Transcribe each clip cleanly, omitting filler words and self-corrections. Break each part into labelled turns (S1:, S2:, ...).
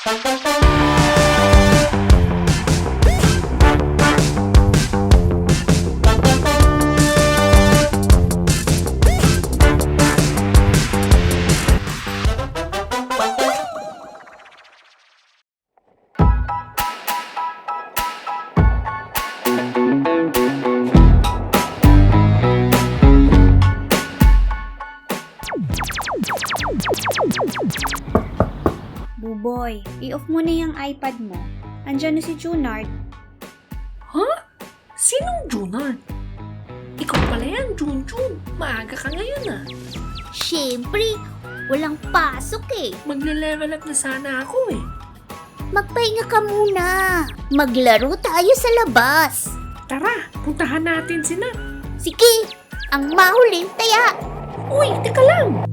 S1: Buboy, i-off mo na yung iPad mo. Andyan na si Junard.
S2: Ha? Sinong Junard? Ikaw pala yan, Junjun. Maaga ka ngayon ah.
S3: Siyempre, walang pasok eh.
S2: Magle-level up na sana ako eh.
S3: Magpahinga ka muna. Maglaro tayo sa labas.
S2: Tara, puntahan natin si Nat.
S3: Sige, ang mahuling taya.
S2: Uy, teka lang.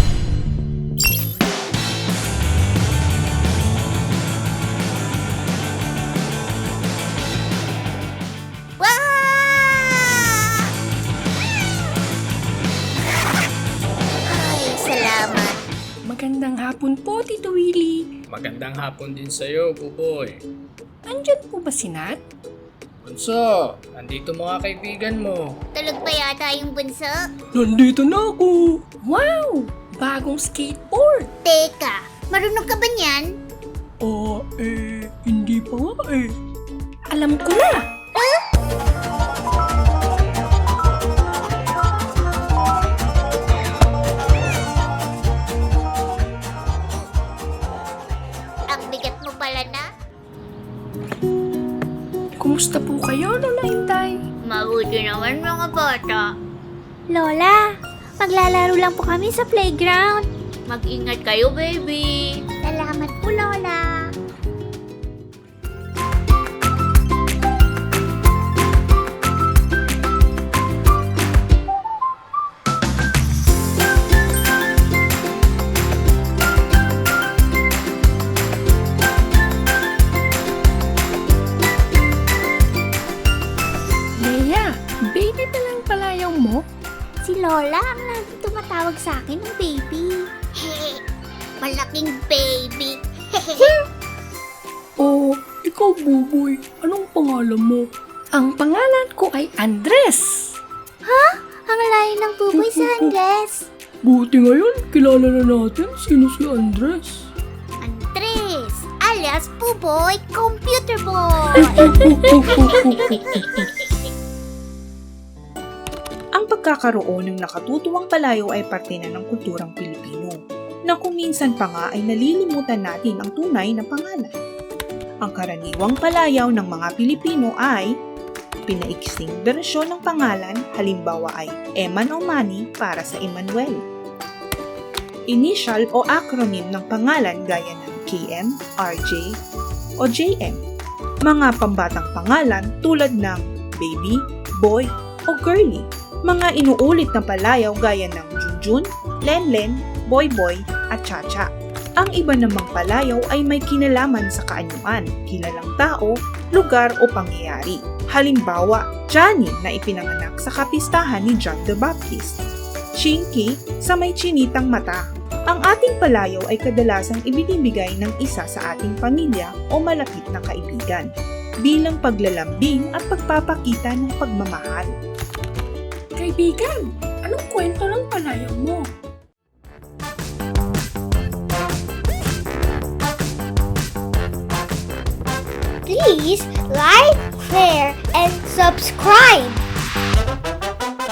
S3: Wah! Ay, salamat.
S2: Magandang hapon po, Tito Willie.
S4: Magandang hapon din sa'yo, Buboy.
S2: Andyan po ba si Nat?
S4: Bunso, andito mga kaibigan mo.
S3: Tulog pa yata yung bunso.
S2: Nandito na ako. Wow! Bagong skateboard.
S3: Teka, marunong ka ba niyan?
S2: Hindi pa nga eh. Alam ko na.
S3: Ang bigat mo pala na.
S2: Kumusta po kayo, Lola Inday?
S3: Mabuti naman mga bata.
S1: Lola, maglalaro lang po kami sa playground.
S3: Mag-ingat kayo, baby. Salamat po, Lola.
S2: Leia, baby pa lang palayaw mo?
S3: Si Lola ang laging tumatawag sa akin ng baby. Hehe, malaking baby.
S2: Ikaw, Buboy. Anong pangalan mo? Ang pangalan ko ay Andres.
S3: Ang layo ng buboy sa Andres.
S2: Buti ngayon, kilala na natin sino si Andres.
S3: Andres, alias Buboy Computer Boy.
S5: Ang pagkakaroon ng nakatutuwang palayaw ay parte na ng kulturang Pilipino, na kung minsan pa nga ay nalilimutan natin ang tunay na pangalan. Ang karaniwang palayaw ng mga Pilipino ay pinaiksing bersyon ng pangalan, halimbawa ay Eman o Manny para sa Emmanuel. Initial o acronym ng pangalan gaya ng KM, RJ o JM. Mga pambatang pangalan tulad ng baby, boy o girly. Mga inuulit na palayaw gaya ng Junjun, Lenlen, Boyboy at Chacha. Ang iba namang palayaw ay may kinalaman sa kaanyuan, kilalang tao, lugar o pangyayari. Halimbawa, Johnny na ipinanganak sa kapistahan ni John the Baptist. Chinky sa may chinitang mata. Ang ating palayaw ay kadalasang ibinibigay ng isa sa ating pamilya o malapit na kaibigan, bilang paglalambing at pagpapakita ng pagmamahal.
S2: Kaibigan, anong kwento ng palayaw mo?
S3: Please like, share, and subscribe.